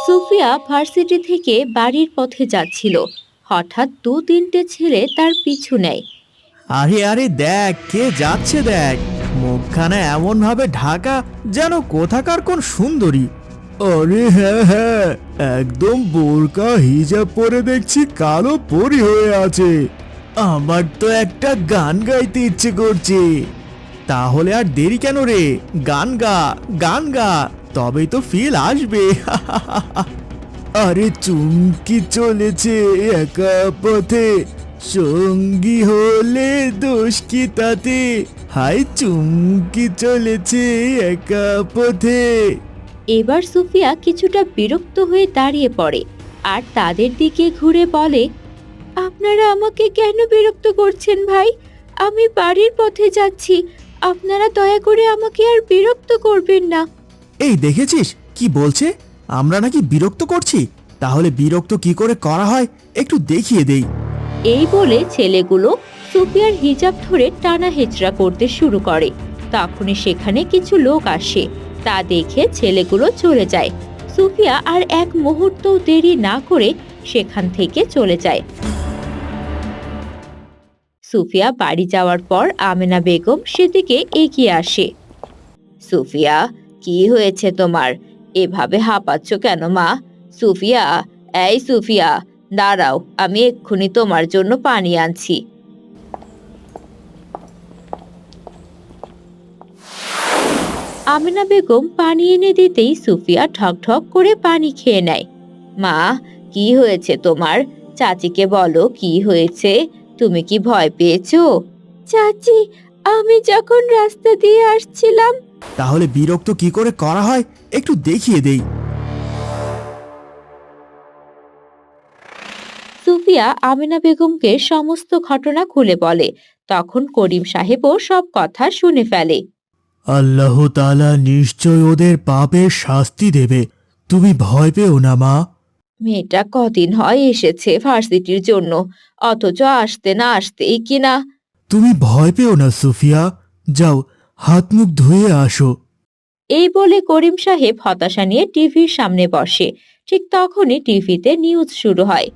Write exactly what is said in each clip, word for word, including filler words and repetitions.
Sufia varsity থেকে বাড়ির পথে যাচ্ছিল। হঠাৎ দু তিনটে ছেলে তার পিছু নেয়। আরে আরে দেখ কে যাচ্ছে, দেখ মুখখানা এমন ভাবে ঢাকা যেন কোথাকার কোন সুন্দরী। আরে হ্যাঁ হ্যাঁ, একদম বোরকা হিজাব পরে দেখছি কালো পরি হয়ে আছে। আমার তো একটা গান গাইতে ইচ্ছে করছে। তাহলে আর দেরি কেন রে, গান গা গান গা, তবেই তো ফিল আসবে। আরে চুমকি চলেছে একা পথে, সঙ্গী হলে দোষ কি তাতে, হাই চুমকি চলেছে একা পথে। এবার সুফিয়া কিছুটা বিরক্ত হয়ে দাঁড়িয়ে পড়ে আর তাদের দিকে ঘুরে বলে, আপনারা আমাকে কেন বিরক্ত করছেন ভাই? আমি বাড়ির পথে যাচ্ছি, আপনারা দয়া করে আমাকে আর বিরক্ত করবেন না। এই দেখেছিস কি বলছে, আমরা নাকি বিরক্ত করছি? তাহলে বিরক্ত কি করে করা হয় একটু দেখিয়ে দেই। এই বলে ছেলেগুলো সুফিয়ার হিজাব ধরে টানা হেচড়া করতে শুরু করে। তখনই সেখানে কিছু লোক আসে, তা দেখে ছেলেগুলো চলে যায়। সুফিয়া আর এক মুহূর্ত দেরি না করে সেখান থেকে চলে যায়। সুফিয়া বাড়ি যাওয়ার পর আমেনা বেগম সেদিকে এগিয়ে আসে। সুফিয়া, কি হয়েছে তোমার? এভাবে হাঁপাচ্ছ কেন মা? সুফিয়া, এই সুফিয়া, দাঁড়াও, আমি এক্ষুনি তোমার জন্য পানি আনছি। আমেনা বেগম পানি এনে দিতেই সুফিয়া ঠক ঠক করে পানি খেয়ে নেয়। মা, কি হয়েছে তোমার? চাচিকে বলো কি হয়েছে। তুমি কি ভয় পেয়েছো? চাচি, আমি যখন রাস্তা দিয়ে আসছিলাম। তাহলে বিরক্ত কি করে করা হয় একটু দেখিয়ে দেই। সুফিয়া আমেনা বেগমকে সমস্ত ঘটনা খুলে বলে। তখন করিম সাহেবও সব কথা শুনে ফেলে। আল্লাহ তাআলা নিশ্চয় ওদের পাপের শাস্তি দেবে, তুমি ভয় পেও না মা। মেয়েটা কদিন হয় এসেছে ভার্সিটির জন্য, অথচ আসতে না আসতেই কিনা। তুমি ভয় পেও না সুফিয়া, যাও হাত মুখ ধুয়ে আসো। এই বলে করিম সাহেব হতাশা নিয়ে টিভির সামনে বসে। ঠিক তখনই টিভিতে নিউজ শুরু হয়।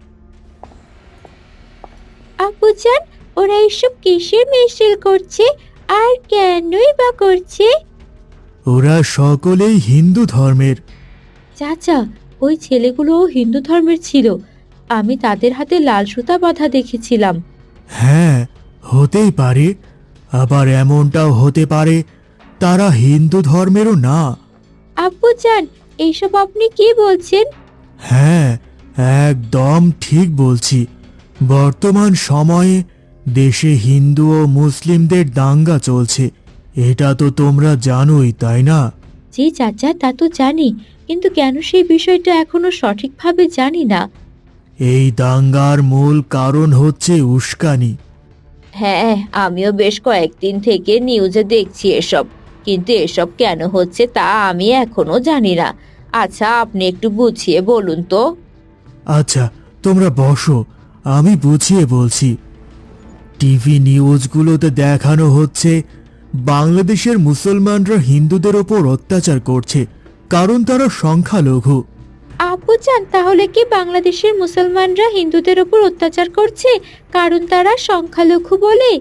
আপুজান, ওরা এসব কিসের মিছিল করছে আর কেনই বা করছে? ওরা সকলেই হিন্দু ধর্মের। চাচা, ওই ছেলেগুলোও হিন্দু ধর্মের ছিল। আমি তাদের হাতে লাল সুতা বাঁধা দেখেছিলাম। হ্যাঁ, হতেই পারে, আবার এমনটাও হতে পারে তারা হিন্দু ধর্মেরও না। আব্বুজান, এইসব আপনি কি বলছেন? হ্যাঁ, একদম ঠিক বলছি। বর্তমান সময়ে দেশে হিন্দু ও মুসলিমদের দাঙ্গা চলছে, এটা তো তোমরা জানোই তাই না? জি চাচা, তা তো জানি, কিন্তু কেন সেই বিষয়টা এখনো সঠিকভাবে জানি না। এই দাঙ্গার মূল কারণ হচ্ছে উস্কানি। হ্যাঁ, আমিও বেশ কয়েকদিন থেকে নিউজে দেখছি এসব, কিন্তু এসব কেন হচ্ছে তা আমি এখনো জানি না। আচ্ছা, আপনি একটু বুঝিয়ে বলুন তো। আচ্ছা, তোমরা বসো, আমি বুঝিয়ে বলছি। টিভি নিউজগুলোতে দেখানো হচ্ছে বাংলাদেশের মুসলমানরা হিন্দুদের ওপর অত্যাচার করছে, কারণ তারা সংখ্যালঘু। আব্বুজান, তাহলে কি বাংলাদেশের মুসলমানরা হিন্দুদের উপর অত্যাচার করছে কারণ তারা সংখ্যালঘু বলে?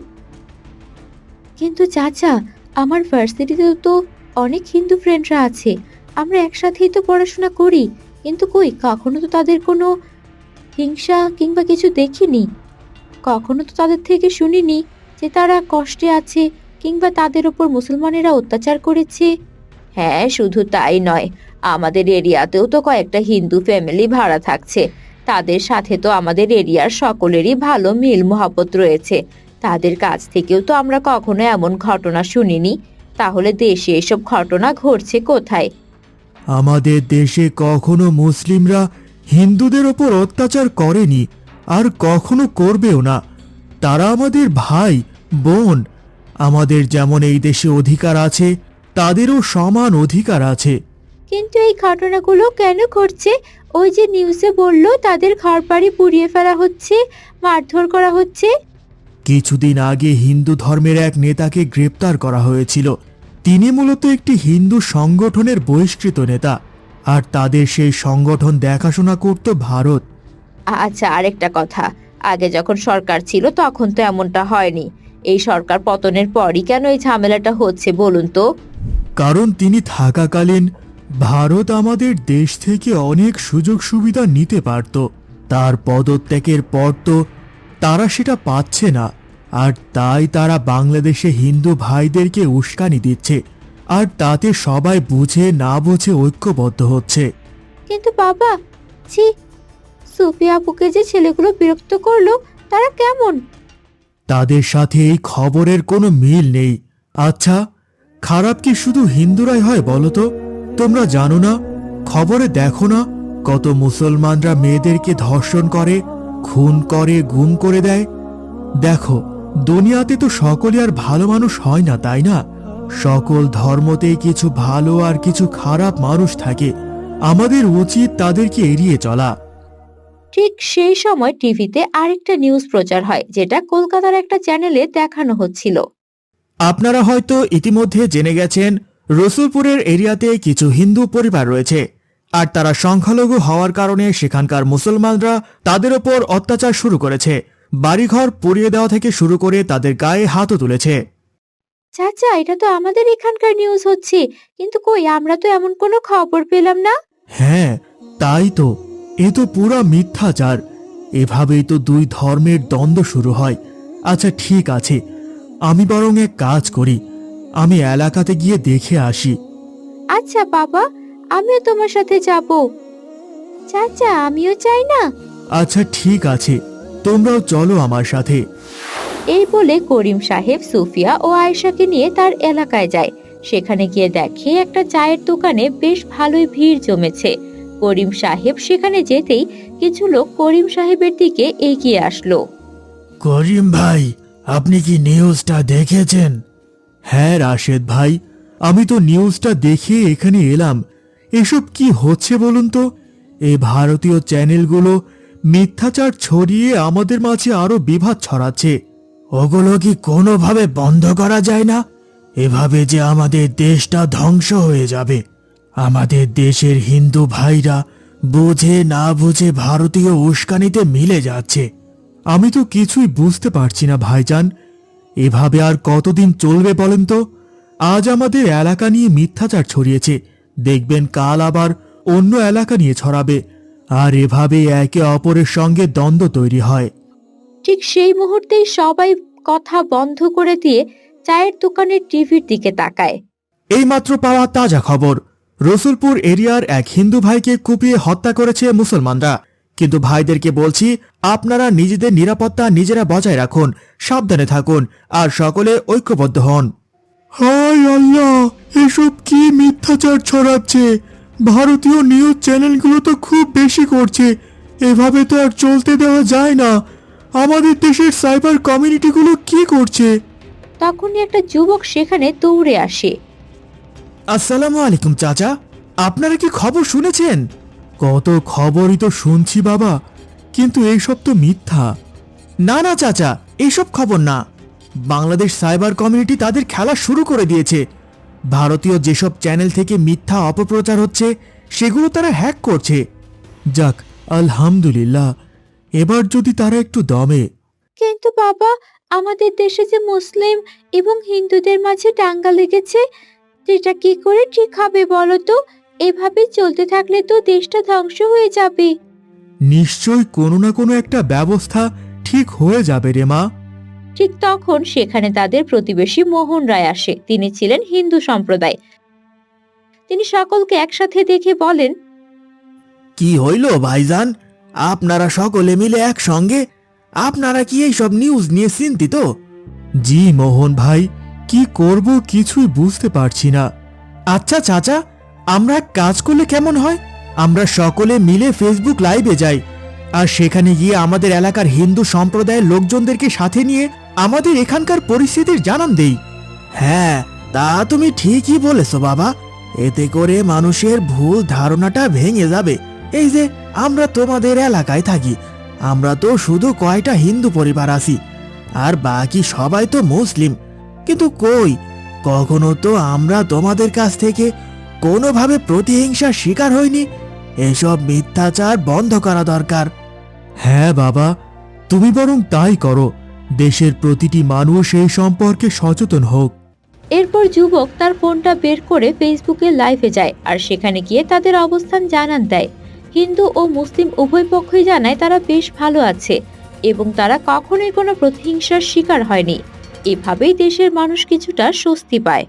কিন্তু চাচা, আমার ভার্সিটিতে তো অনেক হিন্দু ফ্রেন্ডরা আছে, আমরা একসাথেই তো পড়াশোনা করি, কিন্তু কই কখনো তো তাদের কোনো হিংসা কিংবা কিছু দেখিনি। কখনো তো তাদের থেকে শুনিনি যে তারা কষ্টে আছে কিংবা তাদের উপর মুসলমানেরা অত্যাচার করেছে। হ্যাঁ, শুধু তাই নয়, আমাদের এরিয়াতেও তো কয়েকটা হিন্দু ফ্যামিলি ভাড়া থাকছে। তাদের সাথে তো আমাদের এরিয়ার সকলেরই ভালো মিল মহব্বত রয়েছে। তাদের কাছ থেকেও তো আমরা কখনো এমন ঘটনা শুনিনি। তাহলে দেশে এসব ঘটনা ঘটছে কোথায়? আমাদের দেশে কখনো মুসলিমরা হিন্দুদের ওপর অত্যাচার করেনি, আর কখনো করবেও না। তারা আমাদের ভাই বোন। আমাদের যেমন এই দেশে অধিকার আছে, তাদেরও সমান অধিকার আছে। কিন্তু এই ঘটনাগুলো কেন ঘটছে? ওই যে নিউজে বললো তাদের ঘরবাড়ি পুড়িয়ে ফেলা হচ্ছে, মারধর করা হচ্ছে। কিছুদিন আগে হিন্দু ধর্মের এক নেতাকে গ্রেপ্তার করা হয়েছিল। তিনি মূলত একটি হিন্দু সংগঠনের বহিষ্কৃত নেতা। আর তাদের সেই সংগঠন দেখাশোনা করত ভারত। আচ্ছা, আরেকটা কথা, আগে যখন সরকার ছিল তখন তো এমনটা হয়নি। এই সরকার পতনের পরই কেন এই ঝামেলাটা হচ্ছে বলুন তো? কারণ তিনি থাকাকালীন ভারত আমাদের দেশ থেকে অনেক সুযোগ সুবিধা নিতে পারত। তার পদত্যাগের পর তো তারা সেটা পাচ্ছে না, আর তাই তারা বাংলাদেশে হিন্দু ভাইদেরকে উস্কানি দিচ্ছে, আর তাতে সবাই বুঝে না বুঝে ঐক্যবদ্ধ হচ্ছে। কিন্তু বাবা, ছি, সুফিয়া আপুকে যে ছেলেগুলো বিরক্ত করলো, তারা কেমন? তাদের সাথে এই খবরের কোনো মিল নেই। আচ্ছা, খারাপ কি শুধু হিন্দুরাই হয় বলো তো? তোমরা জানো না, খবরে দেখো না কত মুসলমানরা মেয়েদেরকে ধর্ষণ করে, খুন করে, গুম করে দেয়? দেখো, দুনিয়াতে তো সকলে আর ভালো মানুষ হয় না, তাই না? সকল ধর্মতেই কিছু ভালো আর কিছু খারাপ মানুষ থাকে। আমাদের উচিত তাদেরকে এড়িয়ে চলা। ঠিক সেই সময় টিভিতে আরেকটা নিউজ প্রচার হয়, যেটা কলকাতার একটা চ্যানেলে দেখানো হচ্ছিল। আপনারা হয়তো ইতিমধ্যে জেনে গেছেন, রসুলপুরের এরিয়াতে কিছু হিন্দু পরিবার রয়েছে, আর তারা সংখ্যালঘু হওয়ার কারণে সেখানকার মুসলমানরা তাদের ওপর অত্যাচার শুরু করেছে। বাড়িঘর পুড়িয়ে দেওয়া থেকে শুরু করে তাদের গায়ে হাতও তুলেছে। চাচা, এটা তো আমাদের এখানকার নিউজ হচ্ছে, কিন্তু কই, আমরা তো এমন কোনো খবর পেলাম না। হ্যাঁ, তাই তো। এ তো পুরা মিথ্যাচার। এভাবেই তো দুই ধর্মের দ্বন্দ্ব শুরু হয়। আচ্ছা ঠিক আছে, আমি বরং এক কাজ করি, আমি এলাকাতে গিয়ে দেখে আসি। আচ্ছা বাবা, আমিও তোমার সাথে যাব। চাচা, আমিও চাই না। আচ্ছা ঠিক আছে, তোমরাও চলো আমার সাথে। এই বলে করিম সাহেব সুফিয়া ও আয়েশাকে নিয়ে তার এলাকায় যায়। সেখানে গিয়ে দেখে একটা চায়ের দোকানে বেশ ভালোই ভিড় জমেছে। করিম সাহেব সেখানে যেতেই কিছু লোক করিম সাহেবের দিকে এগিয়ে আসলো। করিম ভাই, আপনি কি নিউজটা দেখেছেন? হ্যাঁ রাশেদ ভাই, আমি তো নিউজটা দেখে এখানে এলাম। এসব কি হচ্ছে বলুন তো? এই ভারতীয় চ্যানেলগুলো মিথ্যাচার ছড়িয়ে আমাদের মাঝে আরো বিভাদ ছড়াচ্ছে। ওগুলো কি কোনোভাবে বন্ধ করা যায় না? এভাবে যে আমাদের দেশটা ধ্বংস হয়ে যাবে। আমাদের দেশের হিন্দু ভাইরা বুঝে না বুঝে ভারতীয় উস্কানিতে মিলে যাচ্ছে। আমি তো কিছুই বুঝতে পারছি না ভাইজান, এভাবে আর কতদিন চলবে বলেন তো? আজ আমাদের এলাকা নিয়ে মিথ্যাচার ছড়িয়েছে, দেখবেন কাল আবার অন্য এলাকা নিয়ে ছড়াবে, আর এভাবে একে অপরের সঙ্গে দ্বন্দ্ব তৈরি হয়। ঠিক সেই মুহূর্তেই সবাই কথা বন্ধ করে দিয়ে চায়ের দোকানের টিভির দিকে তাকায়। এইমাত্র পাওয়া তাজা খবর, রসুলপুর এরিয়ার এক হিন্দু ভাইকে কুপিয়ে হত্যা করেছে মুসলমানরা। কিন্তু ভাইদেরকে বলছি, আপনারা নিজেদের নিরাপত্তা নিজেরা বজায় রাখুন, সাবধানে থাকুন, আর সকলে ঐক্যবদ্ধ হন। হায় আল্লাহ, এসব কি মিথ্যাচার ছড়াচ্ছে! ভারতীয় নিউজ চ্যানেলগুলো তো খুব বেশি করছে। এভাবে তো আর চলতে দেওয়া যায় না। আমাদের দেশের সাইবার কমিউনিটিগুলো কি করছে? তখনই একটা যুবক সেখানে দৌড়ে আসে। আসসালামু আলাইকুম চাচা, আপনারা কি খবর শুনেছেন? কত খবরই তো শুনছি বাবা, কিন্তু এইসব তো মিথ্যা। না না চাচা, এইসব খবর না। বাংলাদেশ সাইবার কমিউনিটি তাদের খেলা শুরু করে দিয়েছে। ভারতীয় যেসব চ্যানেল থেকে মিথ্যা অপপ্রচার হচ্ছে সেগুলো তারা হ্যাক করছে। যাক, আলহামদুলিল্লাহ, এবার যদি তারা একটু দমে। কিন্তু বাবা, আমাদের দেশে যে মুসলিম এবং হিন্দুদের মাঝে দাঙ্গা লেগেছে, সেটা কি করে ঠিক হবে বলো তো? এভাবে চলতে থাকলে তো দেশটা ধ্বংস হয়ে যাবে। নিশ্চয় কোনো না কোনো একটা ব্যবস্থা ঠিক হয়ে যাবে রে মা। ঠিক তখন সেখানে তাদের প্রতিবেশী মোহন রায় আসে। তিনি ছিলেন হিন্দু সম্প্রদায়। তিনি সকলকে একসাথে দেখে বলেন, কি হইল ভাইজান, আপনারা সকলে মিলে একসঙ্গে? আপনারা কি এইসব নিউজ নিয়ে চিন্তিত? জি মোহন ভাই, কি করব কিছুই বুঝতে পারছি না। আচ্ছা চাচা, আমরা এক কাজ করলে কেমন হয়? আমরা সকলে মিলে ফেসবুক লাইভে যাই, আর সেখানে গিয়ে আমাদের এলাকার হিন্দু সম্প্রদায়ের লোকজনদেরকে সাথে নিয়ে আমাদের এখানকার পরিস্থিতির জানান দেই। হ্যাঁ, তা তুমি ঠিকই বলেছো বাবা। এতে করে মানুষের ভুল ধারণাটা ভেঙে যাবে। এই যে আমরা তোমাদের এলাকায় থাকি, আমরা তো শুধু কয়টা হিন্দু পরিবার আছি, আর বাকি সবাই তো মুসলিম। কিন্তু কই, কখনো তো আমরা তোমাদের কাছ থেকে কোনোভাবে প্রতিহিংসার শিকার হয়নি। এসব মিথ্যাচার বন্ধ করা দরকার। হ্যাঁ বাবা, তুমি বরং তাই করো। দেশের প্রতিটি মানুষ এই সম্পর্কে সচেতন হোক। এরপর যুবক তার ফোনটা বের করে ফেসবুকে লাইভে যায় আর সেখানে গিয়ে তাদের অবস্থান জানান দেয়। হিন্দু ও মুসলিম উভয় পক্ষই জানায় তারা বেশ ভালো আছে এবং তারা কখনোই কোনো প্রতিহিংসার শিকার হয়নি। এভাবেই দেশের মানুষ কিছুটা স্বস্তি পায়।